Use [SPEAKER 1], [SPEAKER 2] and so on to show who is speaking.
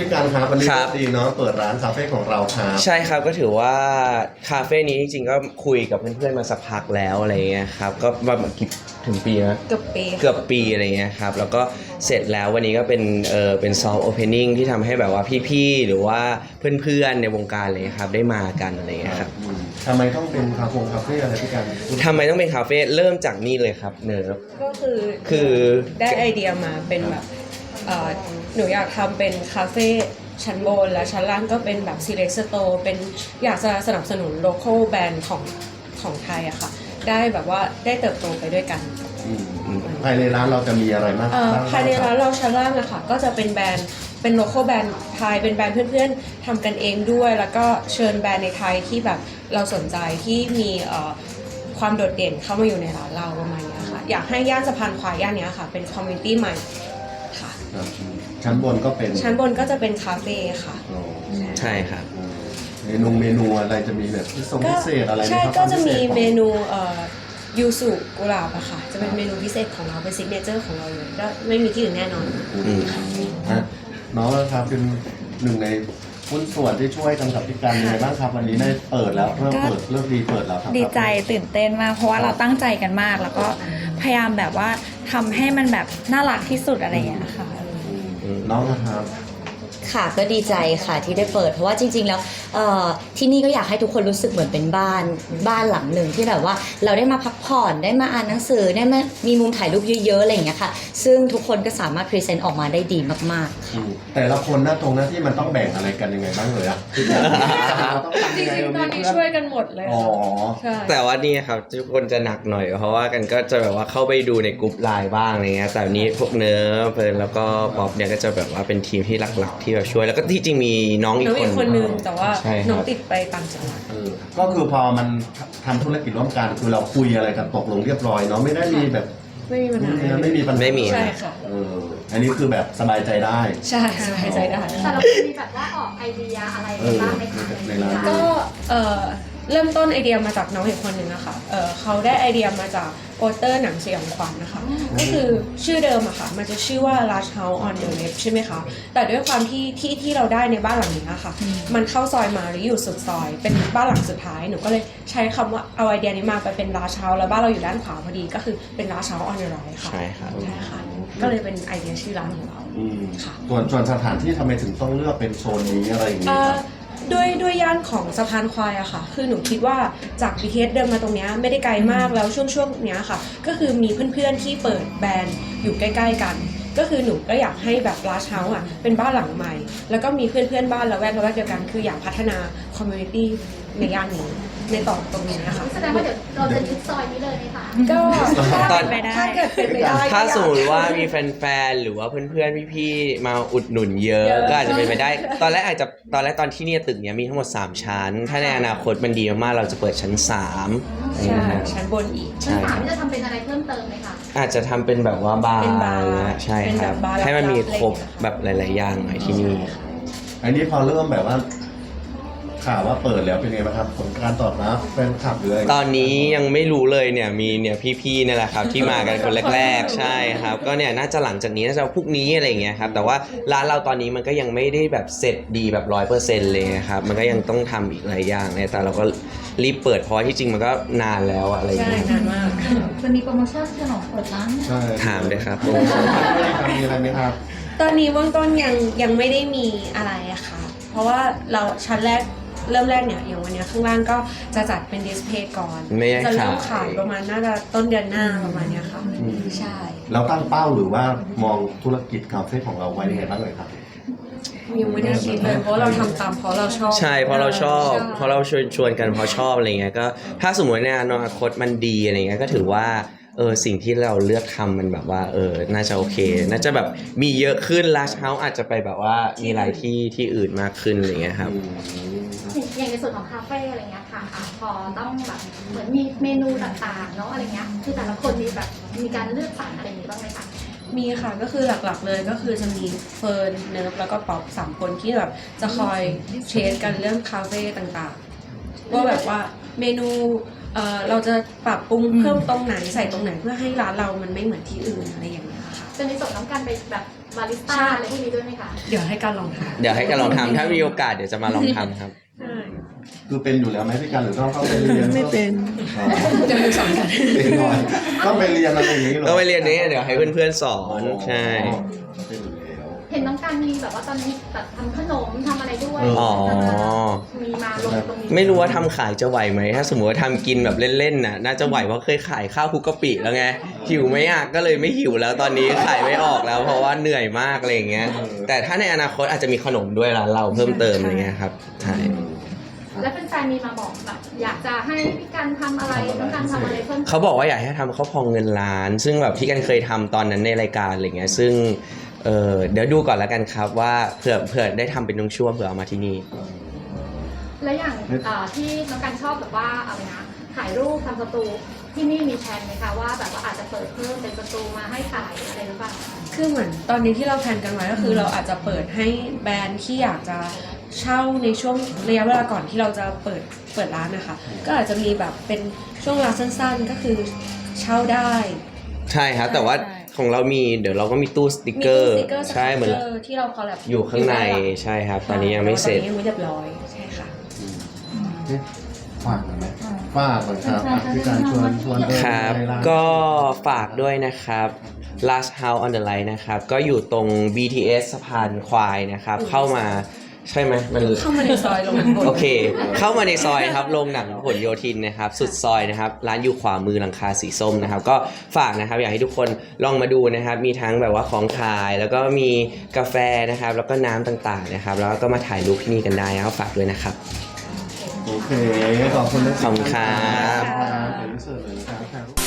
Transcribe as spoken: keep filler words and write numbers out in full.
[SPEAKER 1] พี่การครับวันนี้ดีเนาะเปิดร้านคาเฟ่ของเราครับ
[SPEAKER 2] ใช่ครับก็ถือว่าคาเฟ่นี้จริงๆก็คุยกับเพื่อนๆมาสักพักแล้วอะไรเงี้ยครับก็ประมาณกี่ถึงปีนะ
[SPEAKER 3] เกือบปี
[SPEAKER 2] เกือบปีอะไรเงี้ยครับแล้วก็เสร็จแล้ววันนี้ก็เป็นเออเป็นซอฟต์โอเพนนิ่งที่ทำให้แบบว่าพี่ๆหรือว่าเพื่อนๆในวงการอะไรเงี้ยครับได้มากันอะไรเงี้ยครับ
[SPEAKER 1] ทำไมต้องเป็นคาเฟ่คาเฟ่อะไรพี่การ
[SPEAKER 2] ทำไมต้องเป็นคาเฟ่เริ่มจากนี่เลยครับเนิร์ฟ
[SPEAKER 3] ก็คือ
[SPEAKER 2] คือ
[SPEAKER 3] ได้ไอเดียมาเป็นแบบหนูอยากทำเป็นคาเฟ่ชั้นบนและชั้นล่างก็เป็นแบบ select store เป็นอยากจะสนับสนุน local brand ของของไทยอะค่ะได้แบบว่าได้เติบโตไปด้วยกัน
[SPEAKER 1] ภายในร้านเราจะมีอะไรมาก
[SPEAKER 3] ภายในร้านเราชั้นล่างอะค่ะก็จะเป็นแบรนด์เป็น local brand ไทยเป็นแบรนด์เพื่อนๆทำกันเองด้วยแล้วก็เชิญแบรนด์ในไทยที่แบบเราสนใจที่มีความโดดเด่นเข้ามาอยู่ในร้านเราประมาณนี้ค่ะอยากให้ย่านสะพานควายย่านนี้ค่ะเป็นคอมมูนิตี้ใหม่ค่ะ
[SPEAKER 1] ชั้นบนก็เป็น
[SPEAKER 3] ชั้นบนก็จะเป็นคาเฟ่ค่ะ
[SPEAKER 2] ใช่ครับ
[SPEAKER 1] เมนูเมนูอะไรจะมีแบบพิเศษอะไร
[SPEAKER 3] ใช่ก็จะมีเมนูยูสุกุหลาบอะค่ะจะเป็นเมนูพิเศษของเราเป็นซิกเนเจอร์ของเราเลยก็ไม่มีที่อื่นแน่นอน
[SPEAKER 1] น้องนะครับเป็นหนึ่งในหุ้นส่วนที่ช่วยกันกับพี่การยังไงบ้างครับวันนี้ได้เปิดแล้วเริ่มเปิดเริ่มดีเปิดแล้วครับ
[SPEAKER 4] ดีใจตื่นเต้นมากเพราะว่าเราตั้งใจกันมากแล้วก็พยายามแบบว่าทำให้มันแบบน่ารักที่สุดอะไรอย่างเงี้ยค่ะ
[SPEAKER 1] น้องนะครับ
[SPEAKER 5] ค่ะก็ดีใจค่ะที่ได้เปิดเพราะว่าจริงๆแล้วที่นี่ก็อยากให้ทุกคนรู้สึกเหมือนเป็นบ้านบ้านหลังหนึ่งที่แบบว่าเราได้มาพักผ่อนได้มาอ่านหนังสือได้มามีมุมถ่ายรูปเยอะๆอะไรอย่างเงี้ยค่ะซึ่งทุกคนก็สามารถพรีเซนต์ออกมาได้ดีมากๆค่ะ
[SPEAKER 1] แต่ละคนหน้าตรงหน้าที่มันต้องแบ่งอะไรกันยังไงบ้างเลยอะ
[SPEAKER 3] จริงๆตอนนี้ช่วยกันหมดเลยค่ะ
[SPEAKER 2] แต่ว่านี่ครับทุกคนจะหนักหน่อยเพราะว่ากันก็จะแบบว่าเข้าไปดูในกลุ่มไลน์บ้างอะไรเงี้ยแต่นี้พวกเนื้อเฟิร์นแล้วก็ป๊อปเนี่ยก็จะแบบว่าเป็นทีมที่หลักๆที่แบบช่วยแล้วก็ที่จริงมีน้องอีก
[SPEAKER 3] คนนึงแต่ว่าน้องติดไปต่างจังหวัด
[SPEAKER 1] ก็คือพอมันทำธุรกิจร่วมกันคือเราคุยอะไรกันตกลงเรียบร้อยเนาะไม่ได้มีแบบ
[SPEAKER 3] ไม่มีปัญหา
[SPEAKER 1] ไม่มีปัญหา
[SPEAKER 2] ไม่มี
[SPEAKER 3] ใช่ค่ะ
[SPEAKER 1] อันนี้คือแบบสบายใจได้
[SPEAKER 3] ใช่สบายใจได้
[SPEAKER 6] แต่เรามีแบบว่าออกไอเดียอะไรบ้างไหมคะ
[SPEAKER 3] ก็เริ่มต้นไอเดียมาจากน้องอีกคนหนึ่งนะคะเเขาได้ไอเดียมาจากโปสเตอร์หนังสยองขวัญนะคะก็คือชื่อเดิมอะค่ะมันจะชื่อว่า Large House on the Left ใช่ไหมคะแต่ด้วยความที่ที่ที่เราได้ในบ้านหลังนี้ค่ะมันเข้าซอยมาหรืออยู่สุดซอยเป็นบ้านหลังสุดท้ายหนูก็เลยใช้คำว่าเอาไอเดียนี้มาไปเป็น Large House แล้วบ้านเราอยู่ด้านขวาพอดีก็คือเป็น Large House on the Right ค่ะ
[SPEAKER 2] ใช่ครับ
[SPEAKER 3] ใช่ค่ะก็เลยเป็นไอเดียชื่อร้านของเราค่ะ
[SPEAKER 1] ส่วนส่วนสถานที่ทำไมถึงต้องเลือกเป็นโซนนี้อะไรอย่างนี้ครับ
[SPEAKER 3] ด้วยด้วยย่านของสะพานควายอะค่ะคือหนูคิดว่าจาก บี ที เอส เดินมาตรงนี้ไม่ได้ไกลมากแล้วช่วงช่วงเนี้ยค่ะก็คือมีเพื่อนๆที่เปิดแบรนด์อยู่ใกล้ๆกันก็คือหนูก็อยากให้แบบLarge Houseอะเป็นบ้านหลังใหม่แล้วก็มีเพื่อนๆบ้านละแวกละแวกเดียวกันคืออยากพัฒนาคอมมูนิตี้ในย่านนี้ในต่อตรงนี้นะคะ
[SPEAKER 6] แสดงว่าเดี๋ยวเราจะยึดซอยนี้เลยไหมคะ
[SPEAKER 3] ก็
[SPEAKER 2] ตอน
[SPEAKER 3] ถ้าเกิดเป็นไปได้
[SPEAKER 2] ถ้าสมมติว่ามีแฟนๆหรือว่าเพื่อนๆพี่ๆมาอุดหนุนเยอะก็อาจจะเป็นไปได้ตอนแรกอาจจะตอนแรกตอนที่เนี่ยตึกเนี้ยมีทั้งหมดสามชั้นถ้าในอนาคตมันดีมากๆเราจะเปิดชั้นสาม
[SPEAKER 3] ใช่ชั้นบนอีก
[SPEAKER 6] ชั้นสามจะทำเป็นอะไรเพิ่มเติมไหมคะ
[SPEAKER 2] อาจจะทำเป็นแบบว่าบาร์ใช่ครับให้มันมีครบแบบหลายๆอย่างหน่อยที่นี่
[SPEAKER 1] อันนี้พอเริ่มแบบว่าข่าวว่าเปิดแล้วเป็นไงบ้างครับผลการตอบรับแฟนคลับหรืออะไร
[SPEAKER 2] ตอนนี้ยังไม่รู้เลยเนี่ยมีเนี่ยพี่ๆนี่แหละครับที่มากันคนแรกๆใช่ครับก็เนี่ยน่าจะหลังจากนี้น่าจะพรุ่งนี้อะไรอย่างเงี้ยครับแต่ว่าร้านเราตอนนี้มันก็ยังไม่ได้แบบเสร็จดีแบบร้อยเปอร์เซ็นต์เลยครับมันก็ยังต้องทำอีกหลายอย่างเนี่ยแต่เราก็รีบเปิดเพราะที่จริงมันก็นานแล้วอะไรอย่างเงี้ย
[SPEAKER 3] ใช่นานมาก
[SPEAKER 6] จะมีโปรโมชั่นฉลองเปิดร้าน
[SPEAKER 2] ถามเลยครับ
[SPEAKER 1] มีอะไรไหมครับ
[SPEAKER 3] ตอนนี้เบื้องต้นยังยังไม่ได้มีอะไรอะค่ะเพราะว่าเราชั้นแรกเริ่มแรกเนี่ยอย่างวันนี้ข้างล่างก็จะจัดเป็นดิสเพลย์ก่อนจะเริ่มขายประมาณน่าจะต้นเดือนหน้าประมาณนี้ค่ะใช่
[SPEAKER 1] เราตั้งเป้าหรือว่ามองธุรกิจคาเฟ่ของเราไว้ยังไงบ้างเลยครับ
[SPEAKER 3] ยังไม่ได้คิดเลยเพราะเราทำตามเพราะเราชอบ
[SPEAKER 2] ใช่เพราะเราชอบเพราะเราชวนชวนกันเพราะชอบอะไรเงี้ยก็ถ้าสมมติในอนาคตมันดีอะไรเงี้ยก็ถือว่าเออสิ่งที่เราเลือกทำมันแบบว่าเออน่าจะโอเคน่าจะแบบมีเยอะขึ้น Large House อาจจะไปแบบว่ามีหลายที่ที่อื่นมากขึ้นอะไรเงี้ยครับ
[SPEAKER 6] อย่างในส่วนของคาเฟ่อะไรเงี้ยค่ะพอต้องแบบเหมือนมีเมนูต่างๆเนาะอะไรเงี้ยคือแต่ละคนมีแบบมีการเลือกสรรอะไรอย่างนี้บ้างไหมคะ
[SPEAKER 3] มีค่ะก็คือหลักๆเลยก็คือจะมีเฟิร์นเนิร์ฟแล้วก็ป๊อปสามคนที่แบบจะคอยเทสกันเรื่องคาเฟ่ต่างๆว่าแบบว่าเมนูเอ่อเราจะปรับปรุงเพิ่มตรงไหนใส่ตรงไหนเพื่อให้ร้านเรามันไม่เหมือนที่อื่นอะไรอย่างเงี้ยค่ะ
[SPEAKER 6] จะมีส่วนน้องการไปแบบบาริสต้าอะไรพวกนี้ด้วยไหมคะ
[SPEAKER 3] เดี๋ยวให้การลองทำ
[SPEAKER 2] เดี๋ยวให้กันลองทำถ้ามีโอกาสเดี๋ยวจะมาลองทำครับ
[SPEAKER 3] ใช่
[SPEAKER 1] คือเป็นอยู่แล้วไหมพี่การหรือต้องเข้าไปเรียนไม่เป็น
[SPEAKER 3] เดี๋ยวมีสอนกัน
[SPEAKER 1] เป็นก่อนต้องไปเรียนอะไรอย่างนี้เหรอ
[SPEAKER 2] ก็ไปเรียนนี้เดี๋ยวให้เพื่อนๆสอนใช่
[SPEAKER 1] เป็นอยู่แล้ว
[SPEAKER 6] เห็นน้องการมีแบบว่าตอนนี้แบบทำขนมทำอะไรด้วย
[SPEAKER 2] อ๋อ
[SPEAKER 6] มีมาลงตรงนี้
[SPEAKER 2] ไม่รู้ว่าทำขายจะไหวไหมถ้าสมมติว่าทำกินแบบเล่นๆน่ะน่าจะไหวเพราะเคยขายข้าวคลุกกะปิแล้วไงหิวไหมอ่ะก็เลยไม่หิวแล้วตอนนี้ขายไม่ออกแล้ว เพราะว่าเหนื่อยมากอะไรอย่างเงี้ยแต่ถ้าในอนาคตอาจจะมีขนมด้วยร้านเราเพิ่มเติมอะไรเงี้ยครับใช่
[SPEAKER 6] แล้วเป็นแฟนๆมีมาบอกแบบอยากจะให้พี่การทำอะไรน้องการทำอะไรเพิ่ม
[SPEAKER 2] เขาบอกว่าอยากให้ทำข้าวพองเงินล้าน ซึ่งแบบที่กันเคยทำตอนนั้นในรายการอะไรเงี้ยซึ่งเออเดี๋ยวดูก่อนแล้วกันครับว่าเผื่อเผื่อได้ทำเป็นช่วงๆเผื่อเอามาที่นี่
[SPEAKER 6] และอย่างเอ่อที่น้องการชอบแบบว่าอะไรนะถ่ายรูปทำสตูที่นี่มีแผนไหมคะว่าแบบว่าอาจจะเปิดเพิ่มเป็นสตูมาให้ขายอะไรหรือเปล่า
[SPEAKER 3] คือเหมือนตอนนี้ที่เราแพลนกันไว้ก็คือเราอาจจะเปิดให้แบรนด์ที่อยากจะเช่าในช่วงระยะเวลาก่อนที่เราจะเปิดเปิดร้านนะคะ ก็อาจจะมีแบบเป็นช่วงเวลาสั้นๆก็คือเช่าได้
[SPEAKER 2] ใช่ครับแต่ว่า
[SPEAKER 4] ใช่
[SPEAKER 2] ของเรามีเดี๋ยวเราก็มีตู้สติก
[SPEAKER 3] มี
[SPEAKER 2] เกอ
[SPEAKER 3] ตู้
[SPEAKER 2] ร์
[SPEAKER 3] สติกเกอร์
[SPEAKER 2] ใช่เหมือน
[SPEAKER 3] สติ๊กเกอร์ที่เราคอลแลบ
[SPEAKER 2] อยู่ข้างในใช่ครับ ตอนนี้ยังไม่เสร็จ
[SPEAKER 3] ตอนนี้ยังไม่เรียบร้อยใช่ค่ะ
[SPEAKER 1] นี่ฝากหน่อยไหมฝากก่อนครับอ่ะพี่การชวนชวนเดิน
[SPEAKER 2] ครับ
[SPEAKER 1] ในร้าน
[SPEAKER 2] ก็ฝากด้วยนะครับ Last House on the Line นะครับ ก็อยู่ตรง บี ที เอส สะพานควายนะครับ เข้ามาใช่ไหมมัน
[SPEAKER 3] เข้ามาในซอยลงบน
[SPEAKER 2] โอเค เข้ามาในซอยครับโรงหนังผลโยธินนะครับ สุดซอยนะครับ ร้านอยู่ขวามือหลังคาสีส้มนะครับ ก็ฝากนะครับ อยากให้ทุกคนลองมาดูนะครับ มีทั้งแบบว่าของขาย แล้วก็มีกาแฟนะครับ แล้วก็น้ำต่างๆนะครับ แล้วก็มาถ่ายรูปที่นี่กันได้นะครับฝากด้วยนะครับ
[SPEAKER 1] โอเค ขอบคุณนะ
[SPEAKER 2] ขอบคุณครับ
[SPEAKER 1] ครับเดี๋ยวอินเสิร์ตเลยนะครับ